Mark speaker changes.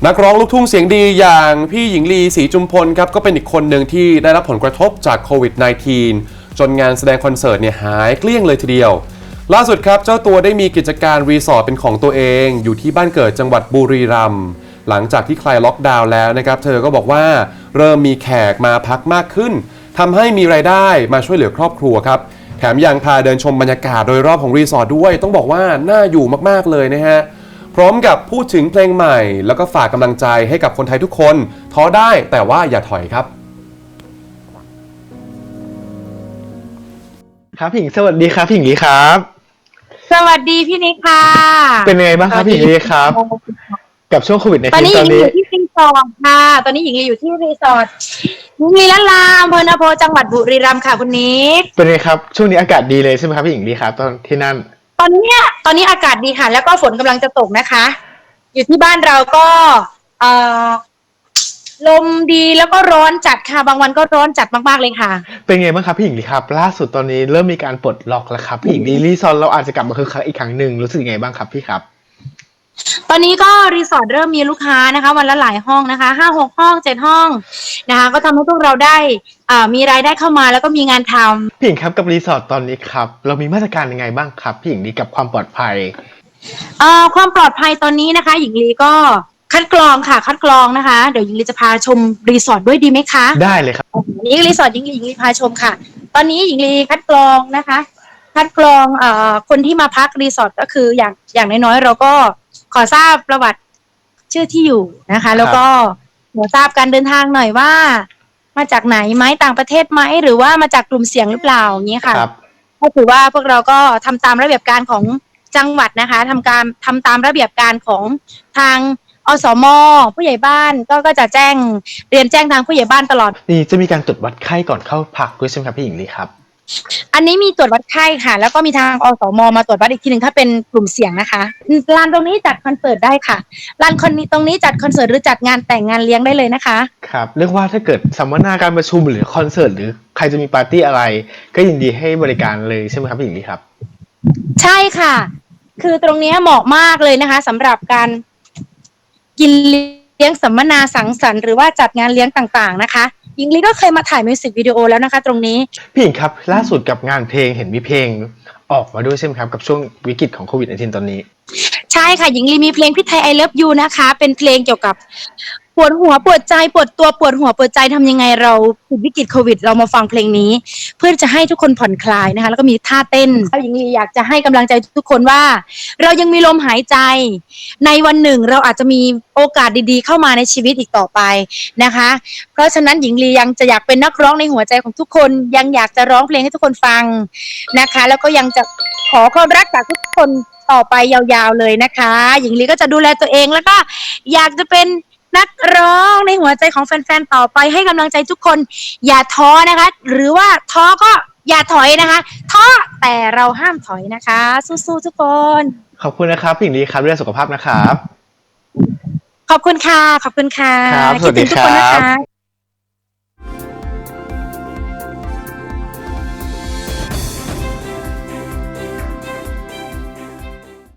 Speaker 1: นักร้องลูกทุ่งเสียงดีอย่างพี่หญิงลีศรีจุมพลครับก็เป็นอีกคนหนึ่งที่ได้รับผลกระทบจากโควิด -19 จนงานแสดงคอนเสิร์ตเนี่ยหายเกลี้ยงเลยทีเดียวล่าสุดครับเจ้าตัวได้มีกิจการรีสอร์ทเป็นของตัวเองอยู่ที่บ้านเกิดจังหวัดบุรีรัมย์หลังจากที่คลายล็อกดาวน์แล้วนะครับเธอก็บอกว่าเริ่มมีแขกมาพักมากขึ้นทำให้มีรายได้มาช่วยเหลือครอบครัวครับแถมยังพาเดินชมบรรยากาศโดยรอบของรีสอร์ทด้วยต้องบอกว่าน่าอยู่มากๆเลยนะฮะพร้อมกับพูดถึงเพลงใหม่แล้วก็ฝากกำลังใจให้กับคนไทยทุกคนท้อได้แต่ว่าอย่าถอยครับ
Speaker 2: ครับพี่หญิงสวัสดีครับพี่หญิงลีครับ
Speaker 3: สวัสดีพี่นิกค่ะ
Speaker 2: เป็นยังไงบ้างครับพี่หญิงลีครับกับช่วงโควิดใน
Speaker 3: ตอนนี้ห
Speaker 2: ต
Speaker 3: ญิ
Speaker 2: อน
Speaker 3: ง
Speaker 2: นี้
Speaker 3: อยู่ที่รีสอร์ทค่ะตอนนี้หญิงอยู่ที่รีสอร์ทหญิงลีละลาอำเภอนาโพจังหวัดบุรีรัมย์ค่ะคุณนิก
Speaker 2: เป็นไงครับช่วงนี้อากาศดีเลยใช่ไหมครับพี่หญิงลีครับตอนที่นั่น
Speaker 3: ตอนนี้อากาศดีค่ะแล้วก็ฝนกำลังจะตกนะคะอยู่ที่บ้านเราก็เอ่อลมดีแล้วก็ร้อนจัดค่ะบางวันก็ร้อนจัดมากๆเลยค่ะ
Speaker 2: เป็นไงบ้างครับพี่หญิงลีครับล่าสุดตอนนี้เริ่มมีการปลดล็อกแล้วครับพี่หญิงลีรีซอนเราอาจจะกลับมาคึกคักอีกครั้งหนึ่งรู้สึกยังไงบ้างครับพี่ครับ
Speaker 3: ตอนนี้ก็รีสอร์ทเริ่มมีลูกค้านะคะวันละหลายห้องนะคะ5-6 ห้อง7 ห้องนะคะก็ทำให้พวกเราได้มีรายได้เข้ามาแล้วก็มีงานทำ
Speaker 2: พี่หญิงครับกับรีสอร์ทตอนนี้ครับเรามีมาตรการยังไงบ้างครับพี่หญิงลีกับความปลอดภัย
Speaker 3: ความปลอดภัยตอนนี้นะคะหญิงลีก็คัดกรองค่ะคัดกรองนะคะเดี๋ยวหญิงลีจะพาชมรีสอร์ทด้วยดีไหมคะ
Speaker 2: ได้เลยครับ
Speaker 3: นี่รีสอร์ทหญิงลีพาชมค่ะตอนนี้หญิงลีคัดกรองนะคะคัดกรองคนที่มาพักรีสอร์ทก็คืออย่างน้อยๆเราก็ขอทราบประวัติชื่อที่อยู่นะคะแล้วก็ขอทราบการเดินทางหน่อยว่ามาจากไหนไหมต่างประเทศไหมหรือว่ามาจากกลุ่มเสี่ยงหรือเปล่าอย่างนี้ค่ะก็ถือว่าพวกเราก็ทำตามระเบียบการของจังหวัดนะคะทำตามระเบียบการของทางอสม.ผู้ใหญ่บ้านก็จะเรียนแจ้งทางผู้ใหญ่บ้านตลอด
Speaker 2: นี่จะมีการตรวจวัดไข้ก่อนเข้าพักด้วยใช่ไหมครับพี่หญิงลีครับ
Speaker 3: อันนี้มีตรวจวัดไข้ค่ะแล้วก็มีทางอสม.มาตรวจวัดอีกทีหนึ่งถ้าเป็นกลุ่มเสี่ยงนะคะลานตรงนี้จัดคอนเสิร์ตได้ค่ะลานตรงนี้จัดคอนเสิร์ตหรือจัดงานแต่งงานเลี้ยงได้เลยนะคะ
Speaker 2: ครับเรียกว่าถ้าเกิดสัมมนาการประชุมหรือคอนเสิร์ตหรือใครจะมีปาร์ตี้อะไรก็ยินดีให้บริการเลยใช่ไหมครับพี่หญิงลีครับ
Speaker 3: ใช่ค่ะคือตรงนี้เหมาะมากเลยนะคะสำหรับการกินเลี้ยงสัมมนาสังสรรค์หรือว่าจัดงานเลี้ยงต่างๆนะคะหญิงลีก็เคยมาถ่ายมิวสิกวิดีโอแล้วนะคะตรงนี้
Speaker 2: พี่หญิงครับล่าสุดกับงานเพลงเห็นมีเพลงออกมาด้วยใช่ไหมครับกับช่วงวิกฤตของโควิด-19 ตอนนี้
Speaker 3: ใช่ค่ะหญิงลีมีเพลงพี่ไทย I Love You นะคะเป็นเพลงเกี่ยวกับปวดหัวปวดใจปวดตัวปวดหัวปวดใจทำยังไงเราติดวิกฤตโควิดเรามาฟังเพลงนี้เพื่อจะให้ทุกคนผ่อนคลายนะคะแล้วก็มีท่าเต้นหญิงลีอยากจะให้กำลังใจทุกคนว่าเรายังมีลมหายใจในวันหนึ่งเราอาจจะมีโอกาสดีๆเข้ามาในชีวิตอีกต่อไปนะคะเพราะฉะนั้นหญิงลียังจะอยากเป็นนักร้องในหัวใจของทุกคนยังอยากจะร้องเพลงให้ทุกคนฟังนะคะแล้วก็ยังจะขอความรักจากทุกคนต่อไปยาวๆเลยนะคะหญิงลีก็จะดูแลตัวเองแล้วก็อยากจะเป็นนักร้องในหัวใจของแฟนๆต่อไปให้กำลังใจทุกคนอย่าท้อนะคะหรือว่าท้อก็อย่าถอยนะคะท้อแต่เราห้ามถอยนะคะสู้ๆทุกคน
Speaker 2: ขอบคุณนะครับพี่หญิงลีครับเรื่องสุขภาพนะครับ
Speaker 3: ขอบคุณค่ะขอบคุณค่ะ
Speaker 2: ครับสวัสดีครับ